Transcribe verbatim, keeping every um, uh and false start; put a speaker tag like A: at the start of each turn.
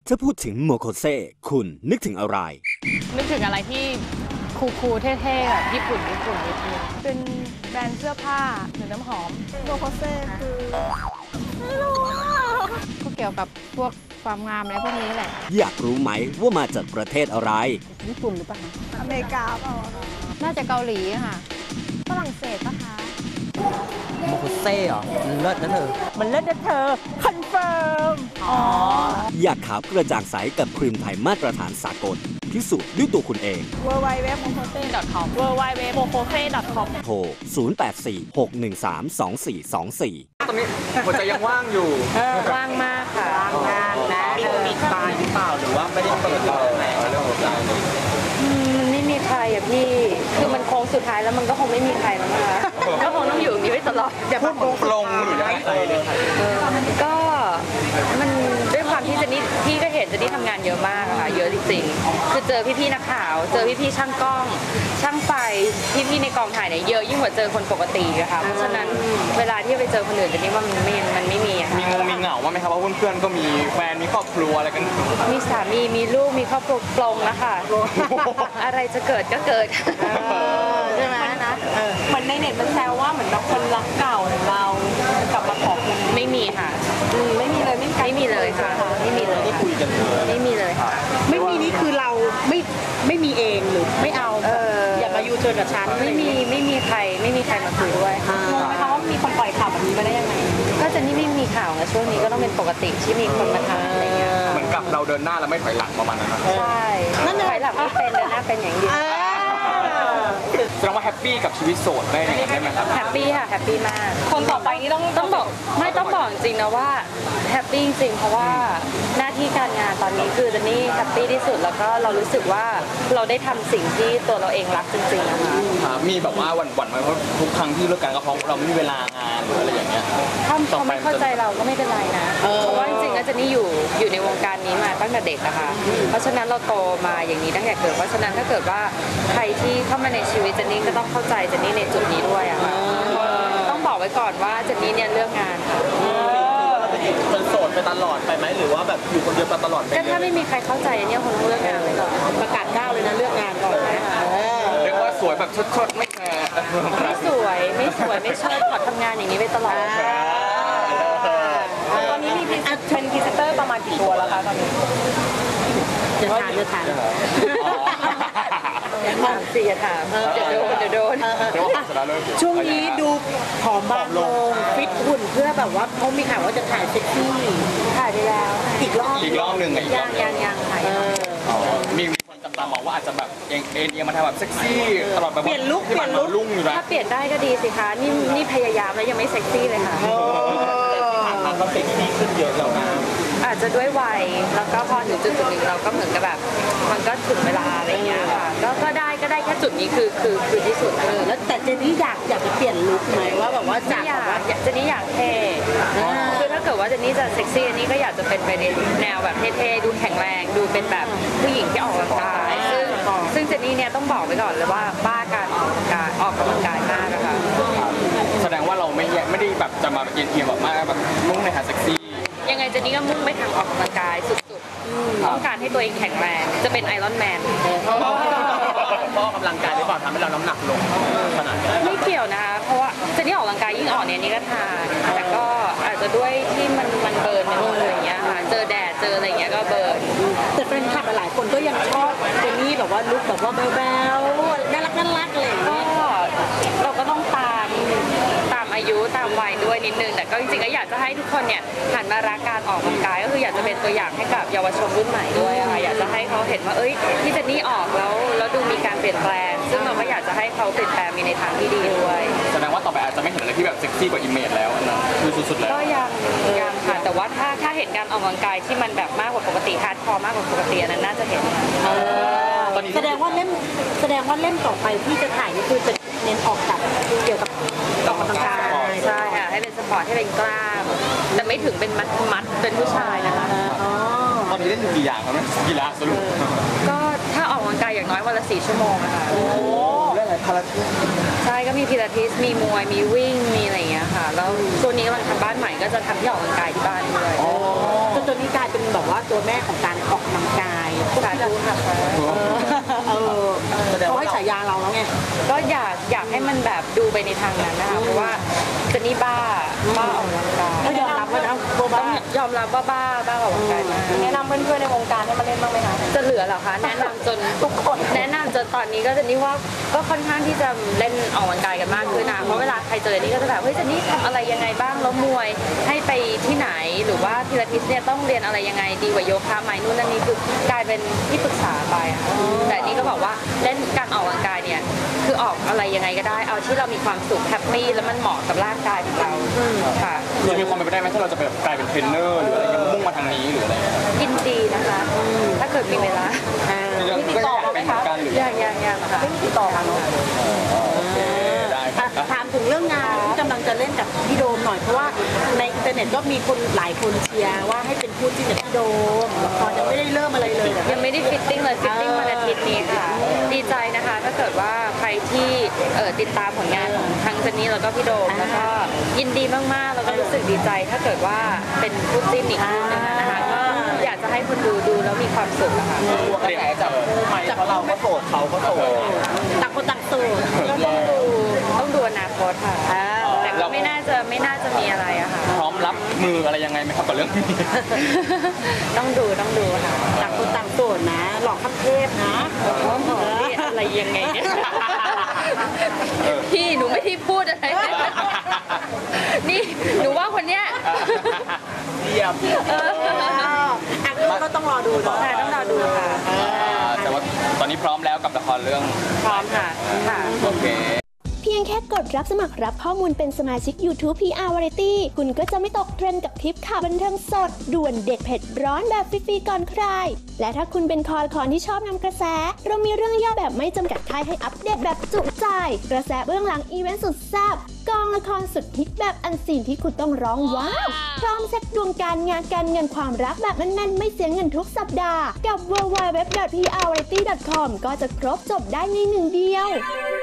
A: ถ้าพูดถึงโมโคเซ่คุณนึกถึงอะไร
B: นึกถึงอะไรที่คูลๆเท่ๆแบบญี่ปุ่นญี่ปุ่นนิดนึง
C: เป็นแบรนด์เสื้อผ้าหรือน้ำหอมโมโคเซ่คือไม่รู้
B: ก็เกี่ยวกับพวกความงามอะไรพวกนี้แหละ
A: อยากรู้ไหมว่ามาจากประเทศอะไร
B: ญี่ปุ่นหรือเปล่า
C: อเมริกาเปล่า
B: น่าจะเกาหลีค่ะ
C: ฝรั่งเศสปะคะ
D: โมโคเซ่เหรอมันเลิศนะเธอ
C: มันเลิศนะเธอคอนเฟิร์มอ๋อ
A: อยากขาวกระจ่างใสกับครีมไทยมาตรฐานสากลพิสูจน์ด้วยตัวคุณเอง
C: ดับเบิลยู ดับเบิลยู ดับเบิลยู ดอท โมโคเซ่ ดอท คอม ดับเบิลยู ดับเบิลยู ดับเบิลยู ดอท โมโคเซ่ ดอท คอม
A: โทร ศูนย์ แปด สี่ หก หนึ่ง สาม สอง สี่ สอง สี่
E: ตอนนี้หัวใจยังว่างอยู่
B: ว่างมากค่ะว่างงานนะ
E: มีตายหรือเปล่าหรือว่าไม่ได้เปิดเราแหมเรื่องหัวใจ
B: มันไม่มีใครอะพี่คือมันโค้งสุดท้ายแล้วมันก็คงไม่มีใครแล้วนะคะก็คงต้องอยู่อย่างนี้ไปตลอด
E: อย่าพูดปลงหรืออะไรเลย
B: ก็มันด้วยความที่เจนนี่พี่ก็เห็นเจนนี่ทำงานเยอะมากค่ะเยอะจริงๆคือเจอพี่ๆนักข่าวเจอพี่ๆช่างกล้องช่างไฟพี่ๆในกองถ่ายเนี่ยเยอะยิ่งกว่าเจอคนปกติอะค่ะเพราะฉะนั้นเวลาที่ไปเจอคนอื่นเจนนี่ว่ามันไม่มันไม่มีอะ
E: มีงงมีเหงาว่าไหมครับว่าเพื่อนๆก็มีแฟนมีครอบครัวอะไรกัน
B: มีสามีมีลูกมีครอบครัวปลงนะคะอะไรจะเกิดก็เกิดใช่ไหมนะ
C: เหมือนในเน็ตมันแซวว่าเหมือนเราคนรักเก่าของเรากลับมาขอคุณ
B: ไม่มีค่ะ
C: ไม่มีเลยไม่
B: ไม่มีเลยค่ะไม่มีเลย
E: ที่คุยกันเลย
B: ไม่มีเลยค่ะ
C: ไม่มีนี่คือเราไม่ไม่มีเองหรือไม่เอาอย่ามายูเทิร์นกับฉัน
B: ไม่มีไม่มีใครไม่มีใครมาคุยด้วย
C: งงไหมคะว่ามีคนปล่อยข่าวแบบนี้มาได้ยังไง
B: ก็จะนี่ไม่มีข่าวนะช่วงนี้ก็ต้องเป็นปกติที่มีคนมาทำอะไรเงี้ย
E: เหมือนกับเราเดินหน้าแล้วไม่ถอยหลังประมาณนั้น
B: ใช่ถอยหลังไม่เป็นเดินหน้าเป็นอย่างเดียว
E: แสดงว่าแฮปปี้กับชีวิตโสดได้ไหมได้ไหมครับ
B: แฮปปี้ค่ะแฮปปี้มาก
C: คนต่อไปนี่ต้อง
B: ต้องบอกไม่ต้องบอกจริงนะว่าแฮปปี้จริงเพราะว่าหน้าที่การงานตอนนี้คือเจนนี่แฮปปี้ที่สุดแล้วก็เรารู้สึกว่าเราได้ทำสิ่งที่ตัวเราเองรักจริงๆนะคะ
E: มีแบบว่าหวั่นๆไหมเพราะทุกครั้งที่เลิกกันก็เพราะเราไม่มีเวลางานหรืออะไรอย่างเงี้ย
B: ถ้าเขาไม่เข้าใจเราก็ไม่เป็นไรนะเพราะว่าจริงๆแล้วเจนนี่อยู่อยู่ในวงการนี้มาตั้งแต่เด็กนะคะเพราะฉะนั้นเราโตมาอย่างนี้ตั้งแต่เกิดเพราะฉะนั้นถ้าเกิดว่าใครที่เข้ามาในชีวิตเจนนี่ก็ต้องเข้าใจเจนนี่ในจุดนี้ด้วยอะค่ะต้องบอกไว้ก่อนว่าเจนนี่เนี่ยเลือกงานค่ะ
E: เป็นโสดไปตลอดไปไหมหรือว่าแบบอยู่คนเดียวไปตลอด
B: ก็ถ้าไม่มีใครเข้าใจเนี่ยคงต้องเลือกงานไปก่อน
C: ประกาศก้าวเลยนะเลือกงานก่อน
B: นะคะ
E: เรียกว่าสวยแบบชดๆไม่แคร์
B: ไม่สวยไม่สวยไม่เชิดขอทำงานอย่างนี้ไปตลอด
C: ตอนนี้มีเป็นพรีเซนเตอร์ประมาณกี่ตัวแล้วคะตอนนี้
B: จะทานจะทานถามสิถามเดี๋ยวโดนเดี๋ยวโดน
C: ช่วงนี้ดูผอมบางลงฟิตหุ่นเพื่อแบบว่าเขามีข่าวว่าจะถ่ายเซ็กซี่
B: ถ่ายไปแล้ว
C: อีกรอบ
E: อีกรอบหนึ่งอีกรอบ
B: ยังยังถ่าย
E: มีคนจับตามองว่าอาจจะแบบเอ็นเอ็นมาทำแบบเซ็กซี่ตลอดแบบ
C: เปลี่ยนลุคเปลี่ยนลุค
B: ถ้าเปลี่ยนได้ก็ดีสิคะนี่นี่พยายามแล้วยังไม่เซ็กซี่เลยค่ะ
E: เราเซ็กซี่ขึ้นเยอะแล้วนะ
B: อาจจะด้วยวัยแล้วก็พอถึงจุดจุดหนึ่งเราก็เหมือนกับแบบมันก็ถึงเวลาอะไรเงี้ยค่ะก็ก็ได้ก็ได้แค่จุดนี้คือคือคือที่สุด
C: เลยแล้วแต่เจนนี่อยากอยากจะเปลี่ยนลุคไหมว่าแบบว่าจาก
B: แบบว่าเจนนี่อยากเท่คือถ้าเกิดว่าเจนนี่จะเซ็กซี่อันนี้ก็อยากจะเป็นไปในแนวแบบเท่ๆดูแข็งแรงดูเป็นแบบผู้หญิงที่ออกกำลังกายซึ่งซึ่งเจนนี่เนี่ยต้องบอกไว้ก่อนเลยว่าบ้าการออกกำลังกายออกกำลังกายมากนะคะ
E: แสดงว่าเราไม่ไม่ได้แบบจะมาเอียงเอียงแบบมากแบบมุ่งในทางเซ็กซี่
B: ยังไงเจนนี่ก็มุ่งไปทางออกกำลังกายสุดๆต้องการให้ตัวเองแข็งแรงจะเป็นไอรอนแมน
E: เพราะกำลังกายหรือเปล่าทำให้เราน้ำหนักลงขนาดนี้
B: ไม่เกี่ยวนะคะเพราะว่าเจนนี่ออกกำลังกายยิ่งอ่อนเนี่ยนี่ก็ทานแต่ก็อาจจะด้วยที่มันมันเบิร์นอะไรอย่างเงี้ยค่ะเจอแดดเจออะไรอย่างเงี้ยก็เบิร์น
C: แต่แฟนคลับหลายคนก็ยังชอบเจนนี่แบบว่าลุคแบบว่าแบ๊วๆน่ารักน่ารักอะไรอย่างเงี้ย
B: เราก็ต้องตามตามอายุตามวัยด้วยนิดนึงแต่ก็จริงๆก็อยากจะให้ทุกคนเนี่ยหันมารักการออกกำลังกายก็คืออยากจะเป็นตัวอย่างให้กับเยาวชนรุ่นใหม่ด้วยค่ะอยากจะให้เขาเห็นว่าเอ้ยที่เจนนี่ออกแล้วแล้วดูมีการเปลี่ยนแปลงซึ่งเราก็อยากจะให้เขาเปลี่ยนแปลงมีในทางที่ดีด้วย
E: แสดงว่าต่อไปอาจจะไม่เห็นอะไรที่แบบเซ็กซี่กว่าอิมเมจแล้วนะคือสุดๆแล้ว
B: ก็ยังยังค่ะแต่ว่าถ้าถ้าเห็นการออกกำลังกายที่มันแบบมากกว่าปกติฮาร์ดคอร์มากกว่าปกติอันนั้นน่าจะเห็น
C: แสดงว่าเล่มแสดงว่าเล่มต่อไปที่จะถ่ายนี่คือจะเน้นออกแบบเกี่ยวกับออกกำลังกาย
B: ใช่ค่ะให้เป็นสปอร์ตให้เป็นกล้ามแต่ไม่ถึงเป็นมัดมัดเป็นผู้ชายนะคะ
E: ตอนนี้เล่นอยู่กี่อย่างครับเนี่ยกีฬาสรุป
B: ก็ถ้าออกกำลังกายอย่างน้อยวันละสี่ชั่วโมงนะคะโอ้
E: เล่นอะไรพาราทิส
B: ใช่ก็มีพิลาทิสมีมวยมีวิ่งมีอะไรอย่างเงี้ยค่ะแล้วช่วงนี้กำลังทำบ้านใหม่ก็จะทำที่ออกกำลังกายที่บ้านด้วย
C: จนอนนี้กลายเป็นแบบว่าตัวแม่ของการออกกำลังกายพวก
B: สา
C: ที่เรา
B: ธุค่ะ
C: เออเขาให้ฉายาเราแล้วไง
B: ก็อยากอยากให้มันแบบดูไปในทางนั้นนะคะเพราะว่าเจนนี่บ้าบ้าออกกำลังกาย
C: ก็ยอมรับว่านะโบ
B: ต้
C: บ้า
B: องยอมรับว่าบ้าบ้าออกกำลังกายมาก
F: แนะนำเพื่อนๆในวงการให้มาเล่นบ้างไหมคะ
B: จะเหลือเหรอคะแนะนำจนทุกคนแนะนำจนตอนนี้ก็เจนนี่ว่าก็ค่อนข้างที่จะเล่นออกกำลังกายกันมากขึ้นนะเพราะเวลาใครเจอเจนนี่ก็จะแบบเฮ้ยเจนนี่ทำอะไรยังไงบ้างแล้วมวยให้ไปที่ไหนหรือว่าพิลาทิสเนี่ยต้องเรียนอะไรยังไงดีกว่าโยคะไหมนู่นนั่นนี่คือกลายเป็นที่ปรึกษาไปอะแต่นี่ก็บอกว่าเล่นการออกกำลังกายเนี่ยคือออกอะไรยังไงก็ได้เอาที่เรามีความสุขแฮปปี้แล้วมันเหมาะกับร่างกายของเราค่ะ
E: จะมีความเป็นไปได้ไหมถ้าเราจะแบบกลายเป็นเทรนเนอร์หรืออะไรเงี้ยมุ่งมาทางนี้หรืออะไรเงี้ย
B: ยินดีนะคะ ถ้าเกิดมีเวลา
E: มีติดต่อมาไหมคะการหรือ
B: ยังยังยังค่ะ
F: ไม่มีติดต่อมาเนาะ
E: โอเคได้ครับ
C: ถามถึงเรื่องงานที่กำลังจะเล่นกับพี่โดมหน่อยเพราะว่าในอินเทอร์เน็ตก็มีคนหลายคนเชียร์ว่าให้เป็นคู่จิ้นกับพี่โดมละครยังไม่ได้เริ่มอะไรเลยอะ
B: ยังไม่ได้ฟิตติ้งเลยฟิตติ้งวันอาทิตย์นี้ค่ะ ดีใจนะคะ ถ้าเกิดว่าใครที่เอ่อติดตามผลงานของทั้งเจนนี่แล้วก็พี่โดมแล้วก็ยินดีมากๆแล้วก็รู้สึกดีใจ ถ้าเกิดว่าเป็นคู่จิ้นอีกคู่หนึงอะนะคะก็อยากจะให้คนดูดูแล้วมีความสุขนะคะ
E: เตรียมจับคู่ไหมเพราะเราก็โสดเขาก็โสด
C: ต่างคนต่างโสด
B: ก็ต้องดูต้องดูอนาคตค่ะ แต่ก็ไม่น่าจะไม่น่าจะมีอะไรอะค่ะ
E: พร้อมรับมืออะไรยังไงไหมครับกับเรื่องนี้
B: ต้องดูต้องดูค่ะ
C: ต่างคนต่างโสดนะ หลอกขั้นเทพนะ
B: นี่อะไรยังไงเนี่ยพี่หนูไม่ได้พูดอะไรเลยนี่หนูว่าคนเนี้ย
E: เยี่ยม
B: เออ
C: อ่ะก็ต้องรอดูเนาะ
B: ค่ะต้องรอดูค่ะ
E: แต่ว่าตอนนี้พร้อมแล้วกับละครเรื่อง
B: พร้อมค่ะค่ะ
E: โอเค
G: เพียงแค่กดรับสมัครรับข้อมูลเป็นสมาชิก YouTube พี อาร์ Variety คุณก็จะไม่ตกเทรนด์กับคลิปข่าวบันเทิงสด ด่วนเด็ดเผ็ดร้อนแบบฟรีๆก่อนใคร และถ้าคุณเป็นคอละคอนที่ชอบนำกระแส เรามีเรื่องย่อแบบไม่จำกัดท้ายให้อัปเดตแบบจุใจ กระแสเบื้องหลังอีเวนต์สุดแซ่บกองละครสุดฮิตแบบอันซีนที่คุณต้องร้องว้าวพร้อมเซ็ตดวงการงานการเงินความรักแบบแน่นๆไม่เสียเงินทุกสัปดาห์กับ ดับเบิลยู ดับเบิลยู ดับเบิลยู ดอท พี อาร์ วาไรตี้ ดอท คอม ก็จะครบจบได้ในหนึ่งเดียว